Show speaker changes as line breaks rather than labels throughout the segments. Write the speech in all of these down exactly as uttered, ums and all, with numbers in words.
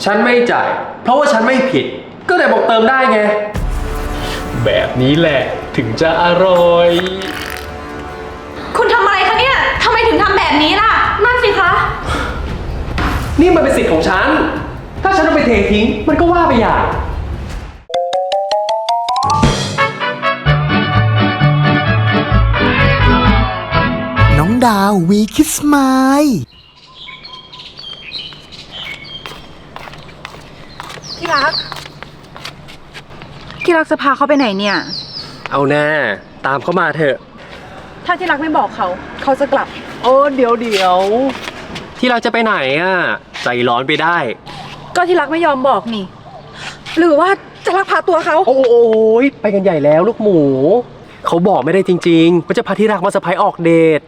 ฉันไม่จ่ายเพราะว่าฉันไม่ผิดก็เลยบอกเติมได้ไงแบบนี้แหละถึงจะอร่อย
คุณทำอะไรคะเนี่ยทำไมถึงทำแบบนี้ล่ะนั่นสิคะ
นี่มันเป็นสิทธิ์ของฉันถ้าฉันเอาไปเททิ้งมันก็ว่าไปอย่าง
น้องดาววีคิสไมล์
ที่รักที่รักจะพาเขาไปไหนเนี่ย
เอาแน่ตามเขามาเถอะ
ถ้าที่รักไม่บอกเขาเขาจะกลับ
โอ้เดี๋ยวเดี๋ยวที่รักจะไปไหนอ่ะใจร้อนไปได้
ก็ที่รักไม่ยอมบอกนี่หรือว่าจะลักพาตัวเขา
โอ้โอ้ยไปกันใหญ่แล้วลูกหมูเขาบอกไม่ได้จริงๆว่าจะพาที่รักมาเซอร์ไพรส์ออกเดท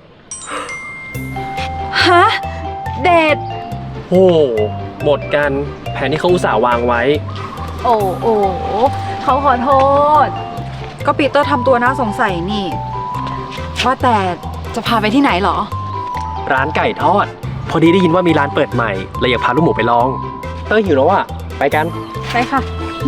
ฮะเดท
โอ้หมดกันแผนที่เขาอุตส่าห์วางไว้
โอ้โอ้เขาขอโทษก็ปีเตอร์ทำตัวน่าสงสัยนี่ว่าแต่จะพาไปที่ไหนเหรอ
ร้านไก่ทอดพอดีได้ยินว่ามีร้านเปิดใหม่เลยอยากพาลูกหมูไปลองเตอร์หิวแล้วอ่ะไปกัน
ไปค่ะ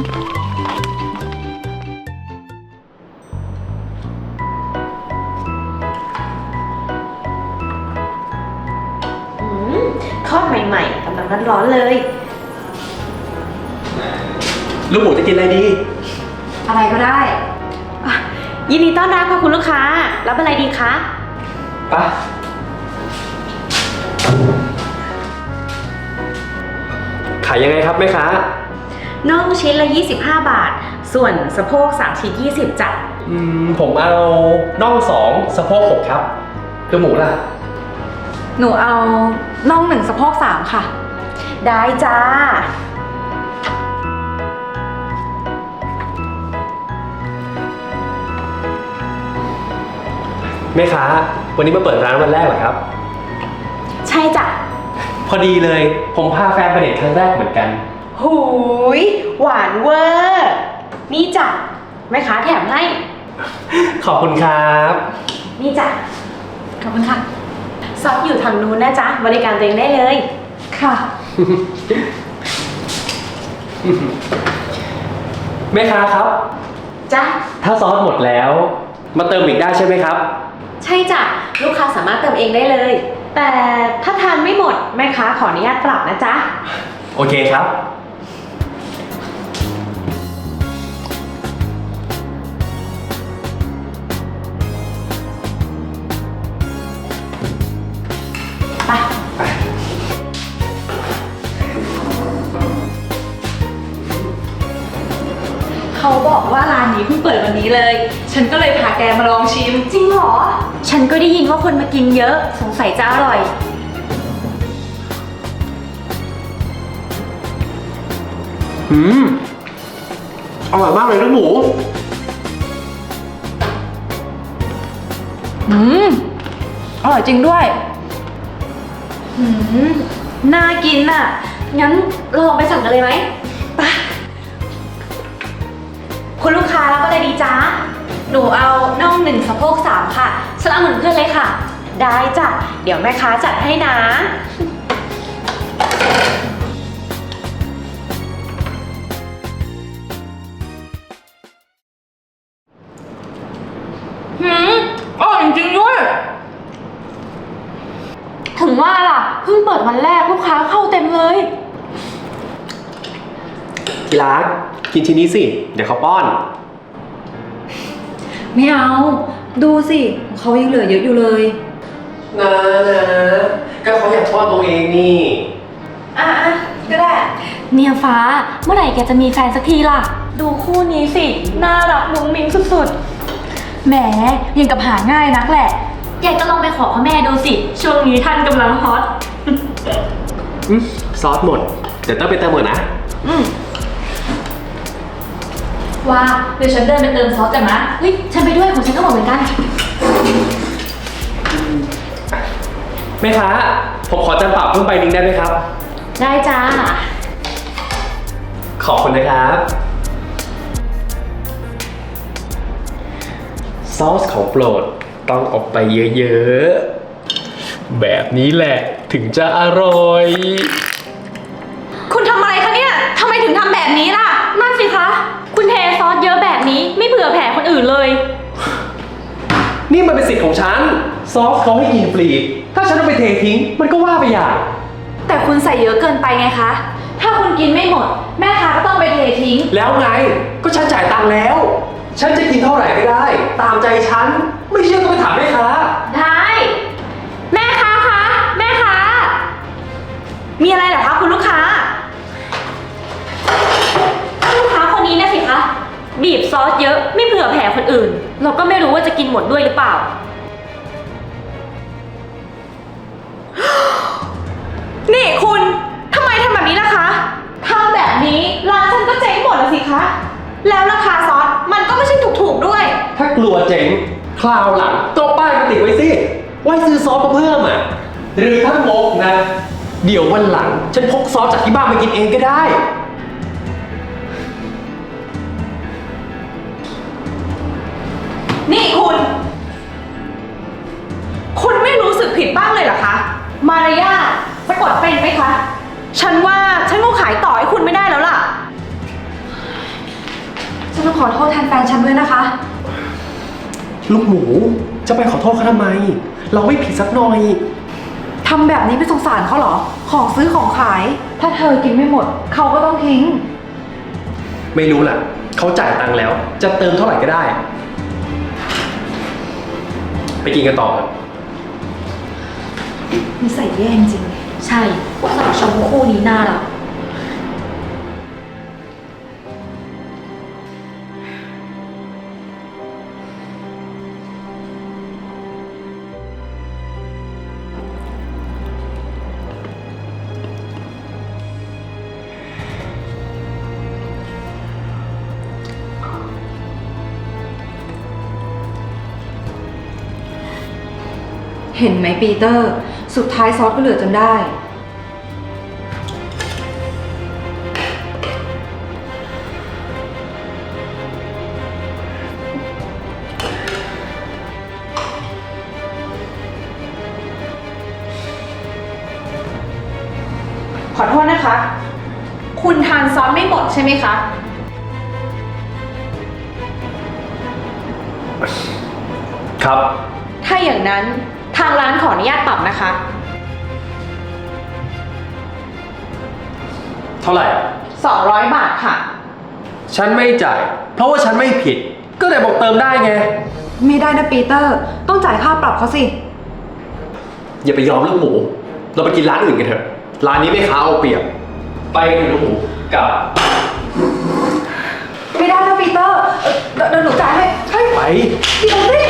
ทอดใหม่ๆกำลังร้อนๆเลย
ลูกหมูจะกินอะไรดี
อะไรก็ได้
ยินดีต้อนรับค่ะคุณลูกค้ารับอะไรดีคะ
ไปขายยังไงครับแม่ค้า
น่องชิ้นละยี่สิบห้าบาทส่วนสะโพกสามชิ้นยี่สิบจ้ะ
อืมผมเอาน่องสองสะโพกหกครับลูกหมูล่ะ
หนูเอาน่องหนึ่งสะโพกสามค่ะ
ได้จ้า
แม่ค้าวันนี้มาเปิดร้านวันแรกเหรอครับ
ใช่จ้ะ
พอดีเลยผมพาแฟนไปเดทครั้งแรกเหมือนกัน
หูยหวานเวอร์นี่จ้ะแม่ค้าแถมให้
ขอบคุณครับ
นี่จ้ะ
ขอบคุณค่ะ
ซอสอยู่ทางนู้นนะจ๊ะบริการตัวเองได้เลย
ค่ะ
แม่ค้าครับ
จ้ะ
ถ้าซอสหมดแล้วมาเติมอีกได้ใช่ไหมครับ
ใช่จ้ะลูกค้าสามารถเติมเองได้เลยแต่ถ้าทานไม่หมดแม่ค้าขออนุญาตปรับนะจ๊ะ
โอเคครับ
ไป
ไป
เขาบอกว่าร้านนี้เพิ่งเปิดวันนี้เลยฉันก็เลยพาแกมาลองชิม
จริงเหรอฉันก็ได้ยินว่าคนมากินเยอะสงสัยจะอร่อย
อืมอร่อยมากเลยลูกหมู
อืมอร่อยจริงด้วย
อืมน่ากินอ่ะงั้นลองไปสั่งกันเลยไหมไปคุณลูกค้ารับอะไรดีจ๊ะหนูเอาน่องหนึ่งสะโพกสามค่ะสลับเหมือนเพื่อนเลยค่ะได้จ้ะเดี๋ยวแม่ค้าจัดให้นะ
หืมอร่อยจริงด้วยถึงว่าล่ะเพิ่งเปิดวันแรกลูกค้าเข้าเต็มเลย
ที่รักกินชิ้นนี้สิเดี๋ยวเขาป้อน
ไม่เอาดูสิเขายังเหลือเยอะอยู่เลย
นะนะก็เขาอยากป้อนตัวเองนี่
อ่ะอ่ะก็ได้
เนี่ยฟ้าเมื่อไหร่แกจะมีแฟนสักทีล่ะดูคู่นี้สิน่ารักมุ้งมิ้งสุดๆ
แหมยังกับหาง่ายนักแหละ
แกก็ลองไปขอพ่อแม่ดูสิช่วงนี้ท่านกำลังฮอต
ซอสหมดเดี๋ยวต้องไปเติมหมดนะ
อืมว่าเดี๋ยวฉันเดินไปเติมซอสกันนะเฮ้ยฉันไปด้วยของฉันก็หมดเหมือนกัน
แม่ค้าผมขอจานเปล่าเพิ่มใบนึงได้ไหมครับ
ได้จ้า
ขอบคุณนะครับซอสของโปรดต้องออกไปเยอะๆแบบนี้แหละถึงจะอร่อย
คุณทำอะไรคะเนี่ย
อื่นเลย
นี่มันเป็นสิทธิ์ของฉัน ซอสเขาให้กินฟรี ถ้าฉันเอาไปเททิ้ง มันก็ว่าไปอย่าง
แต่คุณใส่เยอะเกินไปไงคะ ถ้าคุณกินไม่หมด แม่ค้าก็ต้องไปเททิ้ง
แล้วไง ก็ฉันจ่ายตังค์แล้ว ฉันจะกินเท่าไหร่ก็ได้ ตามใจฉัน ไม่เชื่อก็ไปถามแม่ค้า
ได้ แม่ค้าคะ แม่ค้า มีอะไรเหรอคะคุณลูกค้า ลูกค้าคนนี้นะสิคะ บีบซอสเยอะไม่เผื่อแผ่คนอื่น เราก็ไม่รู้ว่าจะกินหมดด้วยหรือเปล่า นี่คุณทำไมทำแบบนี้ล่ะคะทำแบบนี้ร้านฉันก็เจ๊งหมดแล้วสิคะ แล้วราคาซอสมันก็ไม่ใช่ถูกๆด้วย
ถ้ากลัวเจ๊งคราวหลังก็ป้ายมาติดไว้สิ ไว้ซื้อซอสมาเพิ่มอ่ะ หรือถ้างกนะ เดี๋ยววันหลัง ฉันพกซอสจากที่บ้านมากินเองก็ได้
นี่คุณ คุณไม่รู้สึกผิดบ้างเลยเหรอคะ มารยาทสะกดเป็นไหมคะ ฉันว่าฉันคงขายต่อให้คุณไม่ได้แล้วล่ะ
ฉันต้องขอโทษแทนแฟนฉันด้วยนะคะ
ลูกหมู จะไปขอโทษเขาทำไม เราไม่ผิดสักหน่อย
ทำแบบนี้ไม่สงสารเขาเหรอ ของซื้อของขาย ถ้าเธอกินไม่หมด เขาก็ต้องทิ้ง
ไม่รู้ล่ะ เขาจ่ายตังค์แล้ว จะเติมเท่าไหร่ก็ได้ ไปกินกันต่อครับ
นิสัยแย่จริง
ใช่สาวชมคู่นี้น่ารัก
เห็นไหมปีเตอร์ สุดท้ายซอสก็เหลือจนได้
ขอโทษนะคะ คุณทานซอสไม่หมดใช่ไหมคะ
ครับ
ถ้าอย่างนั้นทางร้านขออนุญาตปรับนะคะ
เท่าไหร่
สองร้อยบาทค่ะ
ฉันไม่จ่าย เพราะว่าฉันไม่ผิด ก็แต่บอกเติมได้ไง
ไม่ได้นะปีเตอร์ ต้องจ่ายค่าปรับเขาสิ
อย่าไปยอมลูกหมู เราไปกินร้านอื่นกันเถอะ ร้านนี้ไม่ค้าเอาเปรียบ ไปกันลูกหมูกลับ
ไม่ได้นะปีเตอร์เดี๋ยวเดี๋ยวหนูจ่ายให้เฮ้ย
ไป
เดี๋ยวสิ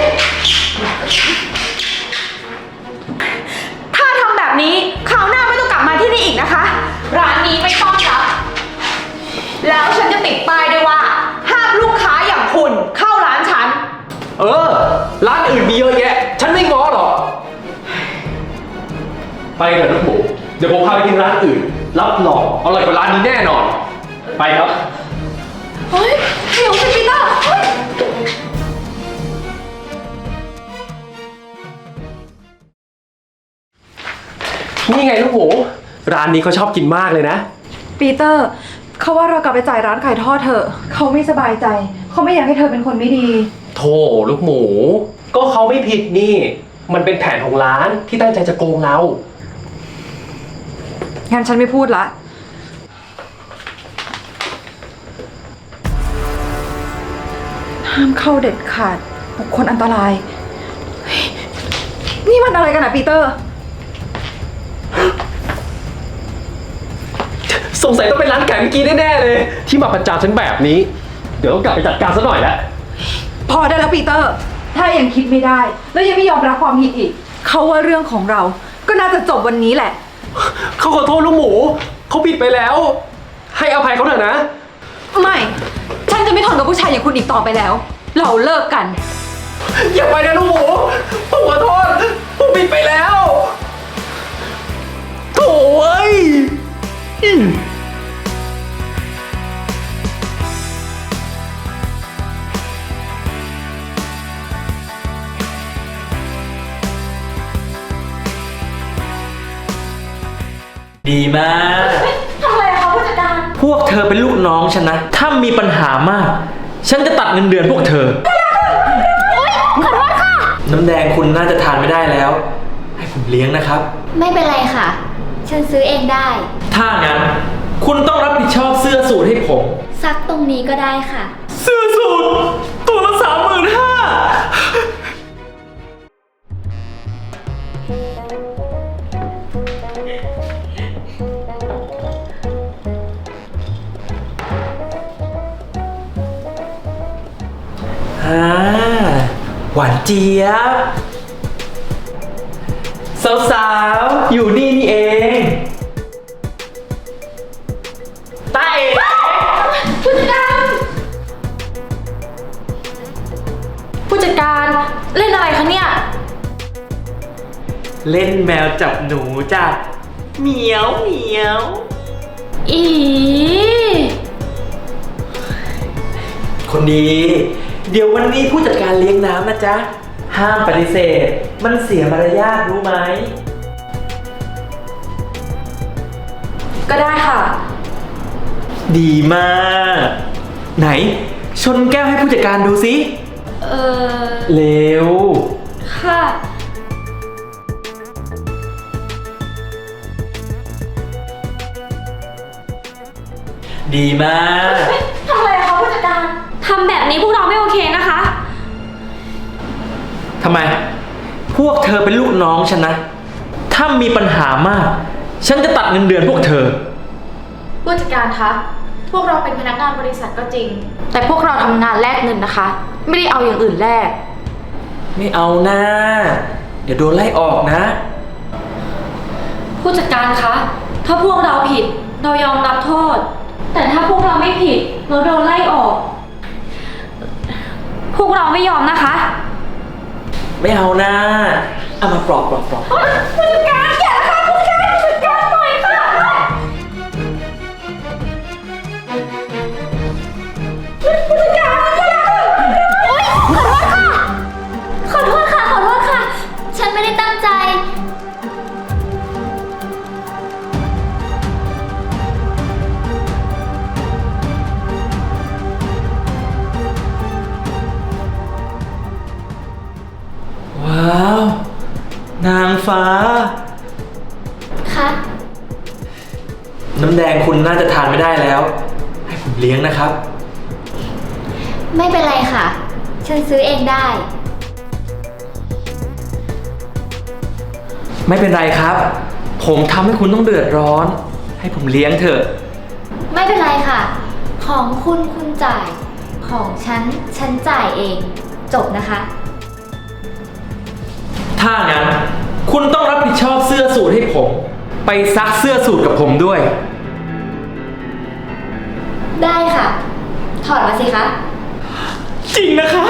ถ้าทำแบบนี้คราวหน้าไม่ต้องกลับมาที่นี่อีกนะคะ ร้านนี้ไม่ต้อนรับ แล้วฉันจะติดป้ายด้วยว่า ห้ามลูกค้าอย่างคุณเข้าร้านฉัน
เออ ร้านอื่นมีเยอะแยะ ฉันไม่ง้อหรอก ไปเถอะลูกหมู เดี๋ยวผมพาไปกินร้านอื่น รับรองอร่อยกว่าร้านนี้แน่นอน ไปครับ
เฮ้ยเดี๋ยวสิปีเตอร์เฮ้ย
นี่ไงลูกหมู ร้านนี้เขาชอบกินมากเลยนะ
ปีเตอร์ เขาว่าเรากลับไปจ่ายร้านขายทอดเถอะ เขาไม่สบายใจ เขาไม่อยากให้เธอเป็นคนไม่ดี
โธ่ลูกหมู ก็เขาไม่ผิดนี่ มันเป็นแผนของร้านที่ตั้งใจจะโกงเรา
งั้นฉันไม่พูดละ ห้ามเข้าเด็ดขาด บุคคลอันตรายเฮ้ยนี่มันอะไรกันอะปีเตอร์
สงสัยต้องเป็นร้านไก่เมื่อกี้แน่ๆเลย ที่มาประจานฉันแบบนี้ เดี๋ยวต้องกลับไปจัดการซะหน่อยแล้ว
พอได้แล้วปีเตอร์ ถ้ายังคิดไม่ได้ แล้วยังไม่ยอมรับความผิดอีก เขาว่าเรื่องของเรา ก็น่าจะจบวันนี้แหละ
เขาขอโทษลูกหมู เขาผิดไปแล้ว ให้อภัยเขาเถอะนะ
ไม่ ฉันจะไม่ทนกับผู้ชายอย่างคุณอีกต่อไปแล้ว เราเลิกกัน
อย่าไปนะลูกหมู ผมขอโทษ ผมผิดไปแล้วโถ่เอ้ยอืม
ดีมาก
ทำอะไรคะผู้จัดการ
พวกเธอเป็นลูกน้องฉันนะ ถ้ามีปัญหามาก ฉันจะตัดเงินเดือนพวกเธอ
ไม่ได้
ขอโทษค่ะ
น้ำแดงคุณน่าจะทานไม่ได้แล้ว ให้ผมเลี้ยงนะครับ
ไม่เป็นไรค่ะ ฉันซื้อเองได้
ถ้างั้น คุณต้องรับผิดชอบเสื้อสูทให้ผม
ซักตรงนี้ก็ได้ค่ะ
เสื้อสูทตัวละสามหมื่นห้าอ่าหวานเจี๊ยบ สาวๆ อยู่นี่นี่เองตาเอ๋
ผู้จัดการ ผู้จัดการเล่นอะไรคะเนี่ย
เล่นแมวจับหนูจ้ะเหมียวเหมียว
อี
คนดี เดี๋ยววันนี้ผู้จัดการเลี้ยงน้ำนะจ๊ะ ห้ามปฏิเสธ มันเสียมารยาทรู้ไหม
ก็ได้ค่ะ
ดีมาก ไหน ชนแก้วให้ผู้จัดการดูสิ
เออ
เร็ว
ค่ะ
ดีมาก
ทำอะไรคะผู้จัดการ ทำแบบนี้พวกเราไม่โอเคนะคะ
ทำไม พวกเธอเป็นลูกน้องฉันนะ ถ้ามีปัญหามาก ฉันจะตัดเงินเดือนพวกเธอ
ผู้จัดการคะ พวกเราเป็นพนักงานบริษัทก็จริง แต่พวกเราทำงานแลกเงินนะคะ ไม่ได้เอาอย่างอื่นแลก
ไม่เอานะ เดี๋ยวโดนไล่ออกนะ
ผู้จัดการคะ ถ้าพวกเราผิด เรายอมรับโทษ แต่ถ้าพวกเราไม่ผิด เราโดนไล่ออก พวกเราไม่ยอมนะคะ
ไม่เอานะเอามาปลอบปลอบปลอบ
ผู้จัดการอย่าค่ะผู้จัดการผู้จัดการหน่อยค่ะผู้จัดการอย่า
โอ๊ยขอโทษค่ะ ขอโทษค่ะ ขอโทษค่ะ ฉันไม่ได้ตั้งใจ
ว้าว นางฟ้า
ค่ะ
น้ำแดงคุณน่าจะทานไม่ได้แล้ว ให้ผมเลี้ยงนะครับ
ไม่เป็นไรค่ะ ฉันซื้อเองได้
ไม่เป็นไรครับ ผมทำให้คุณต้องเดือดร้อน ให้ผมเลี้ยงเถอะ
ไม่เป็นไรค่ะ ของคุณคุณจ่าย ของฉัน ฉันจ่ายเอง จบนะคะ
ถ้างั้น คุณต้องรับผิดชอบเสื้อสูทให้ผม ไปซักเสื้อสูทกับผมด้วย
ได้ค่ะ ถอดมาสิคะ
จริงนะครับ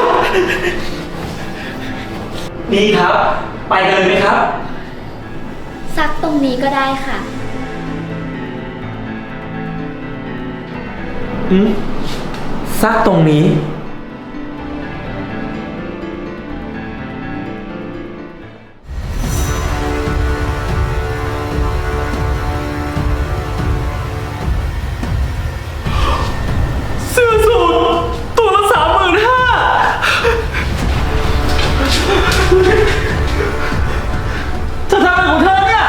นี่ครับ ไปกันเลยไหมครับ
ซักตรงนี้ก็ได้ค่ะ
อืมซักตรงนี้ เสื้อสูทตัวละสามหมื่นห้าเธอทำอะไรของเธอเนี่ย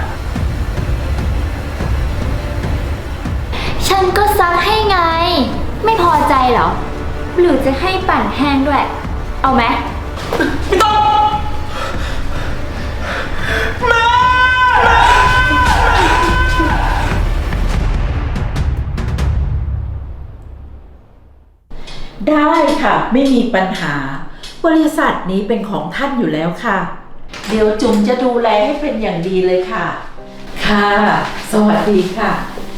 ฉันก็ซักให้ไง ไม่พอใจเหรอ หรือจะให้ปั่นแห้งด้วย เอาไหม
ไม่ต้องแม่
ได้ค่ะ ไม่มีปัญหา บริษัทนี้เป็นของท่านอยู่แล้วค่ะ เดี๋ยวจุ๋มจะดูแลให้เป็นอย่างดีเลยค่ะ ค่ะ สวัสดีค่ะ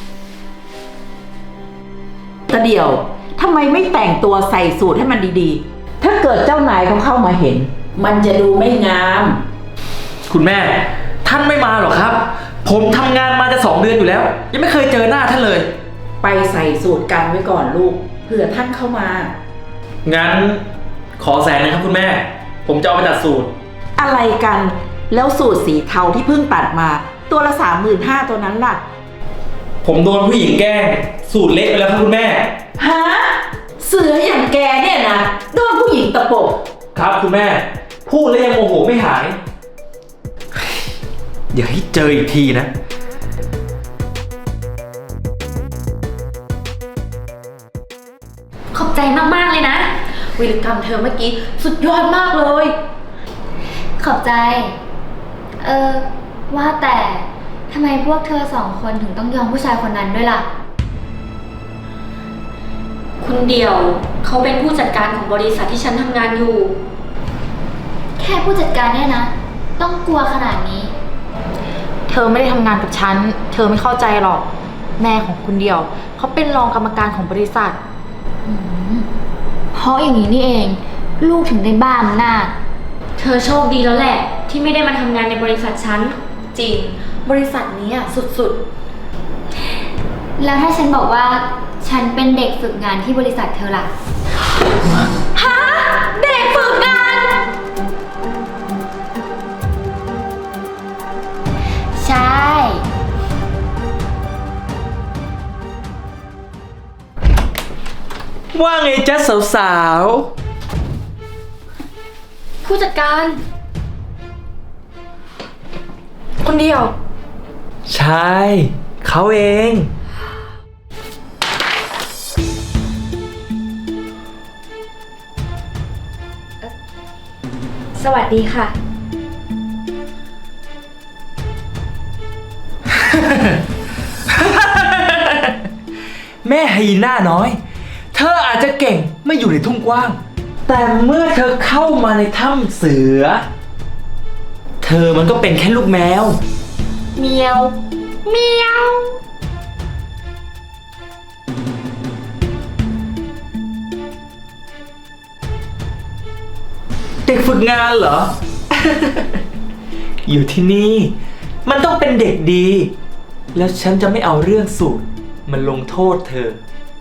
ตะเดี่ยวทำไมไม่แต่งตัวใส่สูทให้มันดีๆ ถ้าเกิดเจ้านายเขาเข้ามาเห็น มันจะดูไม่งาม
คุณแม่ ท่านไม่มาหรอกครับ ผมทำงานมาจะสองเดือนอยู่แล้ว ยังไม่เคยเจอหน้าท่านเลย
ไปใส่สูทกันไว้ก่อนลูกเผื่อท่านเข้ามา
งั้นขอแสนนึงครับคุณแม่ ผมจะเอาไปตัดสูตร
อะไรกัน แล้วสูตรสีเทาที่เพิ่งตัดมา ตัวละสามหมื่นห้าตัวนั้นล่ะ
ผมโดนผู้หญิงแกล้ง สูตรเละไปแล้วครับคุณแม่
ฮะ เสืออย่างแกเนี่ยนะโดนผู้หญิงตะปบ
ครับคุณแม่ พูดแล้วยังโมโหไม่หาย
อย่าให้เจออีกทีนะ
ขอบใจมากๆเลยนะ
วิรกรรมเธอเมื่อกี้สุดยอดมากเลย
ขอบใจ เออ ว่าแต่ทำไมพวกเธอสองคนถึงต้องยอมผู้ชายคนนั้นด้วยล่ะ
คุณเดี่ยวเขาเป็นผู้จัดการของบริษัทที่ฉันทำงานอยู่
แค่ผู้จัดการเนี่ยนะ ต้องกลัวขนาดนี้
เธอไม่ได้ทำงานกับฉัน เธอไม่เข้าใจหรอก แม่ของคุณเดียวเขาเป็นรองกรรมการของบริษัท
เพราะอย่างนี้นี่เอง ลูกถึงได้บ้าอำนาจ
เธอโชคดีแล้วแหละ ที่ไม่ได้มาทำงานในบริษัทฉัน
จริง บริษัทนี้อ่ะสุด
แล้วถ้าฉันบอกว่าฉันเป็นเด็กฝึกงานที่บริษัทเธอล่ะ
ๆ ฮะ เด็กฝึกงาน
ใช่
ว่าไงจ๊ะสาว
ผู้จัดการ
คุณเดียว
ๆ ใช่ เขาเอง
สวัสดีค่ะ
แม่ไฮยีน่าน้อย เธออาจจะเก่งไม่อยู่ในทุ่งกว้าง แต่เมื่อเธอเข้ามาในถ้ำเสือ เธอมันก็เป็นแค่ลูกแมว
เมียว เมียว
เด็กฝึกงานเหรอ อยู่ที่นี่ มันต้องเป็นเด็กดี แล้วฉันจะไม่เอาเรื่องสูตรมันลงโทษเธอ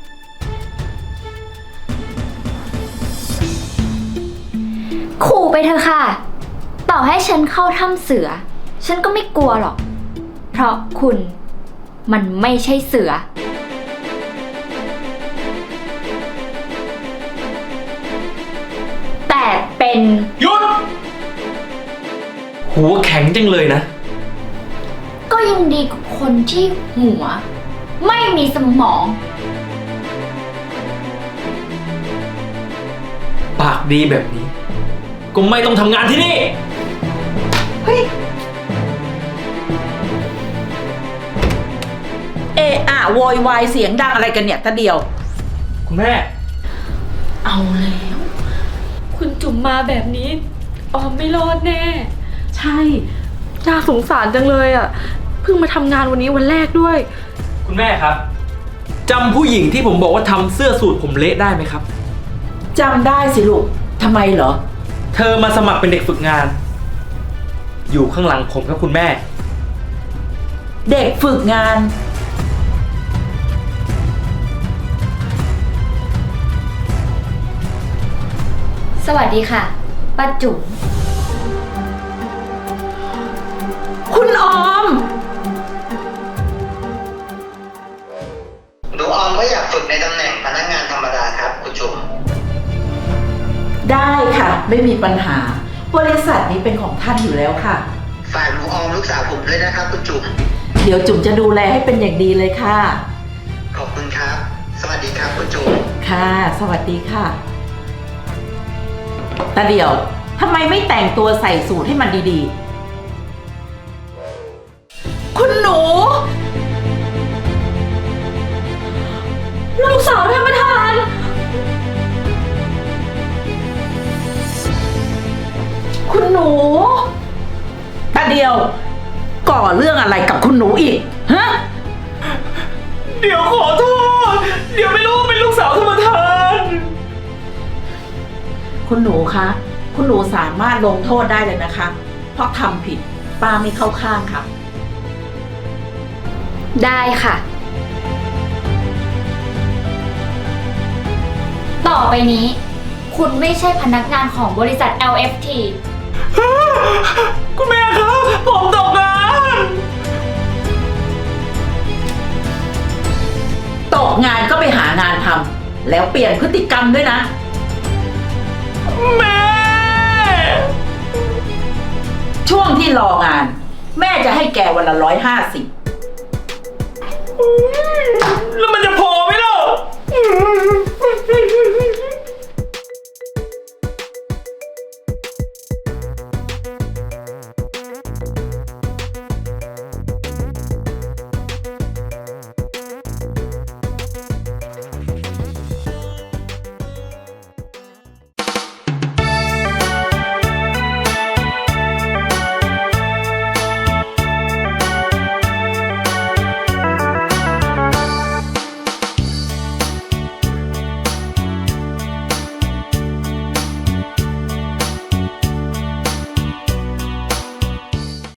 ขู่ไปเถอะค่ะ ต่อให้ฉันเข้าถ้ำเสือ ฉันก็ไม่กลัวหรอก เพราะคุณมันไม่ใช่เสือ แต่เป็น
หยุด หัวแข็งจังเลยนะ
ก็ยังดีกว่าคนที่หัว ไม่มีสมอง
ปากดีแบบนี้ ก็ไม่ต้องทำงานที่นี่
เอะอะโวยวายเสียงดังอะไรกันเนี่ยตาเดียว
คุณแม่
เอาแล้ว
คุณจุ๋มมาแบบนี้ ออมไม่รอดแน่
ใช่น่าสงสารจังเลยอ่ะ เพิ่งมาทำงานวันนี้วันแรกด้วย
คุณแม่ครับจำผู้หญิงที่ผมบอกว่าทำเสื้อสูทผมเละได้ไหมครับ
จำได้สิลูก ทำไมเหรอ
เธอมาสมัครเป็นเด็กฝึกงาน อยู่ข้างหลังผมครับคุณแม่
เด็กฝึกงาน
สวัสดีค่ะ ป้าจุ๋ม
คุณออม
หนูออมก็อยากฝึกในตำแหน่งพนักงานธรรมดาครับคุณจุ๋ม
ได้ค่ะ ไม่มีปัญหา บริษัทนี้เป็นของท่านอยู่แล้วค่ะ
ฝากหนูออมลูกสาวผมด้วยนะครับคุณจุ๋ม
เดี๋ยวจุ๋มจะดูแลให้เป็นอย่างดีเลยค่ะ
ขอบคุณครับ สวัสดีครับคุณจุ๋ม
ค่ะ สวัสดีค่ะตาเดียวทำไมไม่แต่งตัวใส่สูทให้มันดีๆ คุณหนู
ลูกสาวท่านประธาน
คุณหนูตาเดียว ก่อเรื่องอะไรกับคุณหนูอีก ฮะ
เดี๋ยวขอโทษ เดี๋ยวไม่รู้ว่าเป็นลูกสาวท่านประธาน
คุณหนูคะ คุณหนูสามารถลงโทษได้เลยนะคะ เพราะทำผิดป้าไม่เข้าข้างค่ะ
ได้ค่ะ ต่อไปนี้ คุณไม่ใช่พนักงานของบริษัท แอล เอฟ ที
คุณแม่ครับ ผมตกงาน
ตกงานก็ไปหางานทำแล้วเปลี่ยนพฤติกรรมด้วยนะ
แม่
ช่วงที่รองาน แม่จะให้แกวันละร้อยห้าสิบ